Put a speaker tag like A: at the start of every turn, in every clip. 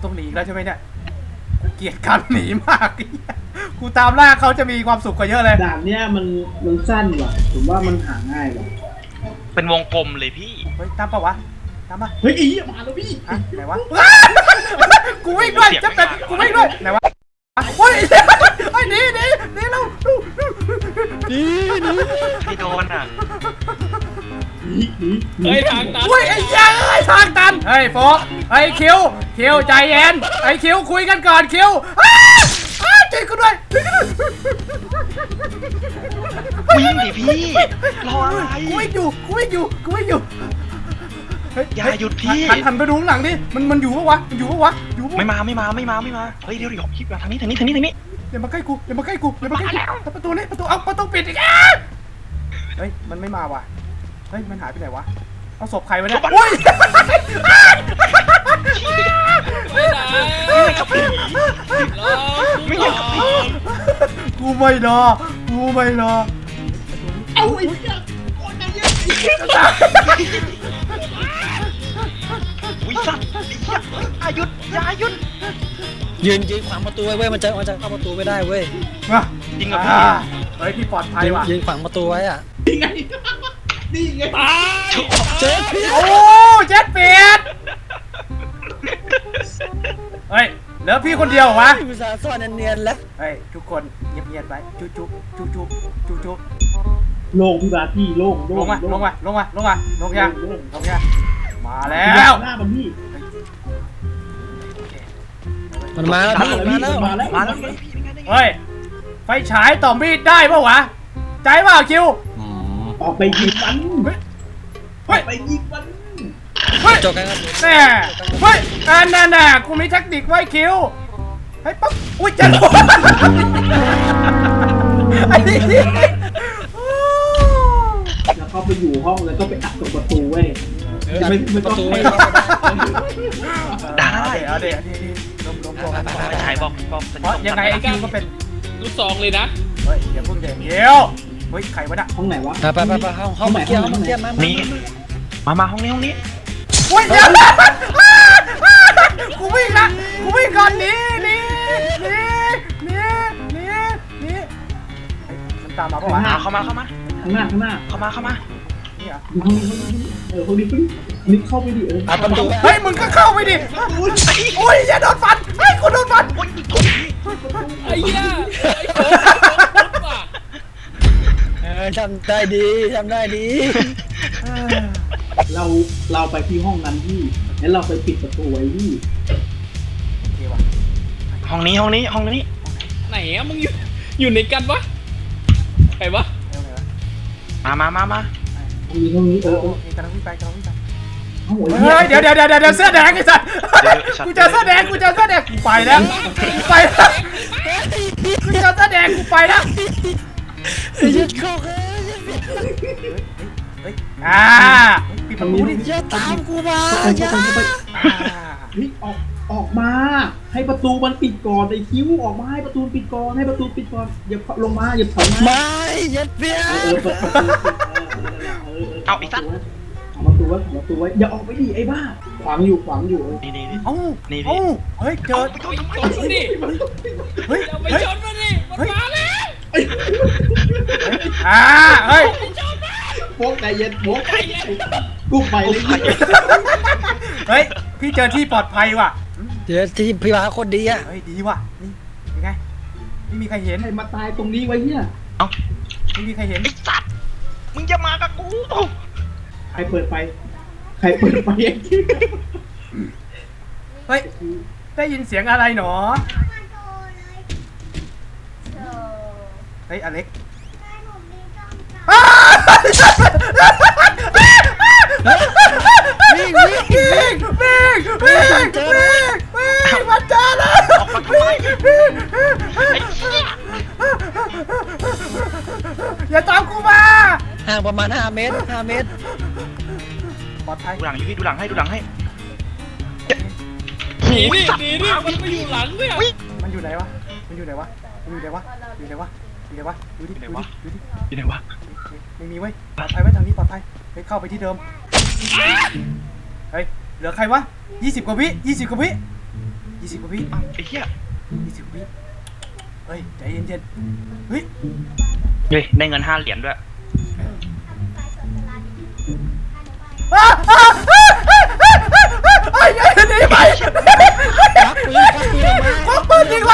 A: ต้องหนีแล้วใช่ไหมเนี่ยกูเกลียดการหนีมากกูตามล่าเขาจะมีความสุขกว่าเยอะเลย
B: ด่านเนี้ยมันสั้นว่ะผมว่ามันหาง่ายว่ะ
C: เป็นวงกลมเลยพี่
A: เฮ้ยตามปะวะตามปะ
B: เฮ้ยอีมาแล้วพี่
A: ไหนวะกูวิ่งด้วยจะเป็นกูวิ่งด้วยไหนวะเฮ้ยไอ้หนีเรา
C: พี่โดนอ่ะ
B: เฮ้ยทางตัน
A: เฮ้ยไอ้ยังไอ้ทางตันเฮ้ยโฟไอ้คิวใจเย็นไอ้คิวคุยกันก่อนคิวใจกูด้วย
C: วิ่งดิพี่รออะไร
A: กูวิ่งอยู่
C: อย่าหยุดพี่
A: หันไปดูข้างหลังดิมันอยู่ปะวะอยู่
C: ไม่มาเฮ้ยเดี๋ยวคิดว่าทางนี้
A: อย่ามาใกล้กูประตูนี้ประตูปิดอีกเฮ้ยมันไม่มาว่ะเฮ้ยมันหายไปไหนวะเอาศพใครวะเนี่ยอุ้ย
C: ไม่อยากกับพี่
A: กูไม่รอ
B: เอาไอ้เหี้ย
C: วิสัตว์อย่าหยุด
D: ยืนขวางประตูไว้เว้ยมันจะเข้าประตูไม่ได้เว้ย
C: จริงกับพี่
A: เฮ้ยพี่ปลอดภัยว่ะ
D: ยืนขวางประตูไว้อ่ะ
B: นี่ไง
D: เจ็ดปี
A: โอ้เจ็ดปีเฮ้ยเหลือพี่คนเดียววะ
D: อุตส่าห์ซ่อนเนียนๆแล้ว
A: เฮ้ยทุกคนเงียบๆไว้จุ๊บ
B: โล่งพี่บาพี่โล่ง
A: ลงมายังมาแล้ว
B: หน้ามันพี่
D: มันมาแล้ว
A: เฮ้ยไฟฉายต่อมีดได้ป่าววะใจเปล่าคิว
B: ออกไปยิงมันไปยิงมัน
D: จบกันครับ
A: แน่เฮ้ยน่ะกูมีเทคนิคไว้คิวให้ปั๊บอุ้ยจะโดนไอ้นี่
B: แล้วก็ไปอยู่ห้องแล้วก็ไปอัดตรงประตูเว้ย
D: ประตู
C: ได้
A: เอาเดี๋ยว
C: ไปฉายบอก
A: เพราะยังไงไอ้คิวก็เป็น
E: ลูกซองเลยนะ
A: เฮ้ยอย่าพูดเดี๋ยวเฮ้ยใครวะน่ะ
B: ห้องไหนวะ
D: ไปห้องเกี่ยว
C: นี่มาห้องนี้
A: โอ้ยเดี๋ยวกูวิ่งก่อนนี่มันตามมาปะวะ
C: เข้ามา
B: ข้างหน้า
C: นี่เหรอ
B: ห้องนี้เข้าไปดิ
D: ประตู
A: เฮ้ยมึงก็เข้าไปดิโอ้ยอย่าโดนฟันเฮ้ยกูโดนฟัน
E: ไอ้เหี้ย
D: ทำได้ดี
B: เราไปที่ห้องนั้นพี่แล้วเราไปปิดประตูไว้พี่
A: โอเควะ
C: ห้องนี้
E: ไหนอะมึงอยู่ในกันวะไปวะ
C: มา
B: ห้องนี้
A: กำลังวิ่งไป
B: เฮ้
A: ยเดี๋ยวเสื้อแดงไอ้สัตว์กูเจอเสื้อแดงกูไปแล้วกูเจอเสื้อแดงกูไปแล้ว
D: ยึดเข้า
A: ปิดประตูดิ
D: อย่าตามกูมาอย่า
B: ออกมาให้ประตูมันปิดก่อนไอ้คิ้วออกมาให้ประตูปิดก่อนอย่าลงมาอย่าถอยมา
D: ไม่อย่าเปี้ย
C: เอาอีกสัก
B: ประตูไว้อย่าออกไปดิไอ้บ้าขวางอยู่
C: นี่
A: เฮ้ยเจอ
E: ชนมันดิเฮ้ยอย่าไปชนมันดิมันมาแล้ว
A: เฮ้ย
B: โป๊กใจเย็นกูไปเลย
A: เฮ้ยพี่เจอที่ปลอดภัยว่ะ
D: เดี๋ยวที่พี่มาคนดีอ่ะ
A: เฮ้ยดีว่ะนี่ยังไงไม่มีใครเห็น
B: ใครมาตายตรงนี้ไว้เนี่ย
A: ไม่มีใครเห็น
C: ไอ้สัตว์มึงจะมากับกู
B: ใครเปิดไฟเอง
A: เฮ้ยได้ยินเสียงอะไรหนอเฮ้ยอเล็กวิ่งมาเจอแล้วอย่าตามกูมา
D: ห่างประมาณ5 เมตร
A: ปลอดภัย
C: ดูหลังอยู่พี่ดูหลังให้
E: หนีดิมันไปอยู่หลังเนี่ย
A: มันอยู่ไหนวะดูดิไม่มีเว้ยปลอดภัยไว้ทางนี้ปลอดภัยไปเข้าไปที่เดิมเฮ้ยเหลือใครวะ20 กว่าวิ 20 กว่าวิ
C: เอ้าไอ้เหี้ย
A: 20 กว่าวิเฮ้ยใจเย็นๆเฮ้ย
C: เฮ้ยได้เงิน5 เหรียญด้วย
A: ไอ้หนีไป
D: รักปืนรักปืนออกมา
A: ควักปืนยิง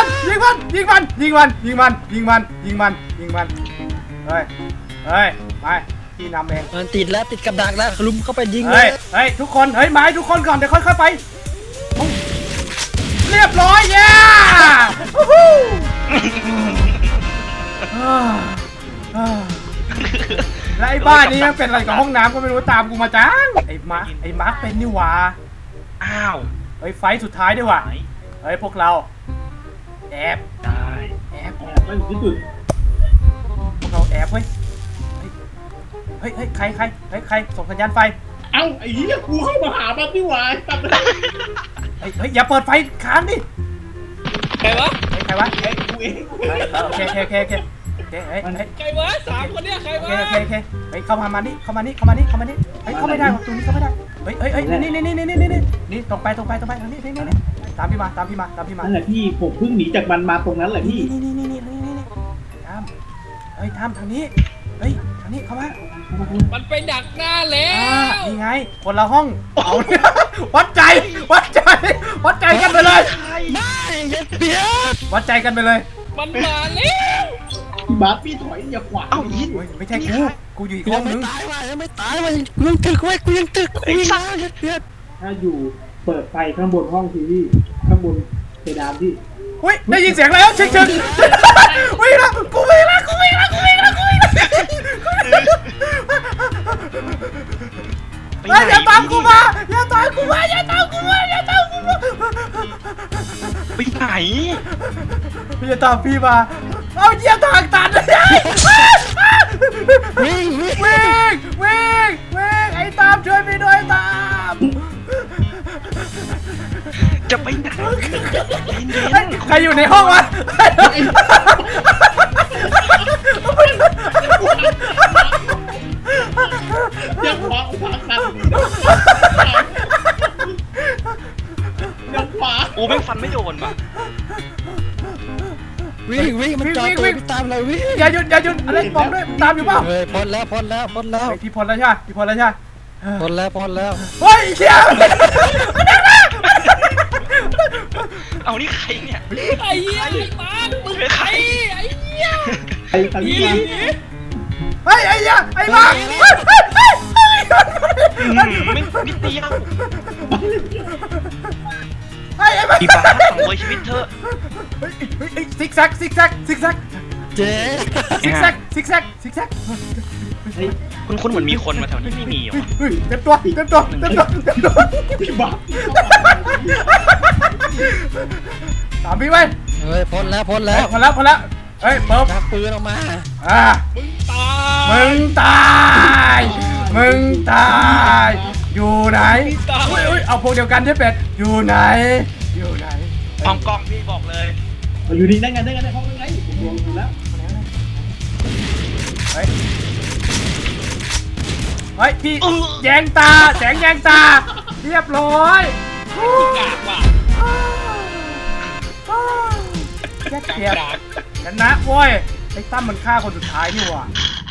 A: มันเฮ้ยไปพี่นำเอง
D: มันติดแล้วติดกับดักแล้วลุมเข้าไปยิงเล
A: เฮ้
D: ย
A: ยทุกคนเฮ้ยมาให้ทุกคนก่อนเดี๋ยวค่อยๆไปเรียบร้อยย่าแล้วไอ้บ้านนี้มันเป็นอะไรกับห้องน้ำก็ไม่รู้ตามกูมาจังไอ้มาร์คเป็นนี่หว่า
C: อ้าว
A: เฮ้ยไฟสุดท้ายด้วยว่ะ
C: ไหน
A: เฮ้ยพวกเราแอบ
C: ได้
A: แอบ
B: ไม่ถึงที่สุด
A: พวกเราแอบเฮ้ยใครส่งสัญญาณไฟ
B: เอ้าไอ้เหี้ยกูเข้ามาหามันนี่หว่าตัด
A: เฮ้ยอย่าเปิดไฟค้างดิ
E: ใครวะ
A: ใครวะ
B: ไอ้กูเอง
A: โอเคเฮ้ย
E: ใครวะ3 คนเนี่ยใครวะ
A: เฮ้ยเข้ามานี่เฮ้ยเข้าไม่ได้ประตูนี้เข้าไม่ได้เฮ้ยนี่ตรงไปทางนี้นี่ตามพี่มา
B: นั่นแหละพี่ผมเพิ่งหนีจากมันมาตรงนั้นแหละพี่
A: นี่ตามเฮ้ยตามทางนี้เฮ้ยทางนี้เข้ามา
E: มันไปดักหน้าแล้
A: นี่
E: ว
A: ไงคนละห้องเอาเนี่ยวัดใจกันไปเลย
D: ไม่อย่าเบียด
A: วัดใจกันไปเลย
E: มันมาแล้ว
B: พี่บาสพี่ถอยอย่าขวาง
C: เอ้ายิน
A: โอ้ยไม่ใช่กูอยู่อีกห้
D: ยั
A: อง ง
D: ไม่
A: นึง
D: ตายว่ะยังไม่ตายว่ะกูยังตึกไว้กูยังตึกกูยังอย่าเบียด
B: ถ้าอยู่เปิดไฟข้างบนห้องทีพี่ข้างบนเพดานพี่
A: อุ้ยได้ยินเสียงแล้วเชิงวิ่งแล้วกูวิ่งแล้วอย่าตามกูมา
C: ไปไหน
A: พี่จะตามพี่มาเอาเหยียบทางตันเลย
D: วิ่ง
A: ไอ้ตามช่วยพี่ด้วยตาม
C: จะไปไหนเย็น
A: ใครอยู่ในห้องวะ
B: อย่าขวางกันอย่าขวาง
C: ๆโอ้แม่งฟันไม่โดนป่ะ
D: วิ่งมันจอดตัวตามเราวิ่ง
A: อย่าหยุดอะไรบอกด้วยตามอยู่เปล่า
D: เฮ้ยพ้นแล้ว
A: พี่พลแล้วใช่ไหม
D: พ้นแล้ว
A: เฮ้ยเชี่ย
C: เอานี่ใครเนี่ย
E: ไอ้เหี้ยไอ้มาร์คมึงใครไอ้เหี้ย
B: ไอ้ทาง
E: หนี
B: นี้
E: หนี
A: เฮ้ยไอ้เหี้ยไอ้บ้า
C: ไม่นิดเดียว
A: ไอ้บ้า
C: พี่บ้าสังเวยชีวิตเธอ
A: ซิกแซก
D: เจ๊
C: คุณเหมือนมีคนมาแถวนี้ไม่มีหรอ
A: เต็มตัว
B: พี่บาส
A: ตามพี่ไป
D: เฮ้ยพ้นแล้ว
A: พอแล้วเฮ้ยเปิบ
D: ชักปืนออกมา
A: มึงตายอยู่ไหนอุ้ยเอาพวกเดียวกันใช่เป็ดอยู่ไหน
C: ห้องกล้องพี่บอกเลย
B: อยู่นี่ได้ไงห้องยังไงผมมองดูแล้ว
A: เฮ้ยพี่แยงตาแสงแยงตาเรียบร้อย
E: กากว่ะ
A: แยกเกียบชนะโว้ยไอ้ตั้มมันฆ่าคนสุดท้ายนี่หว่า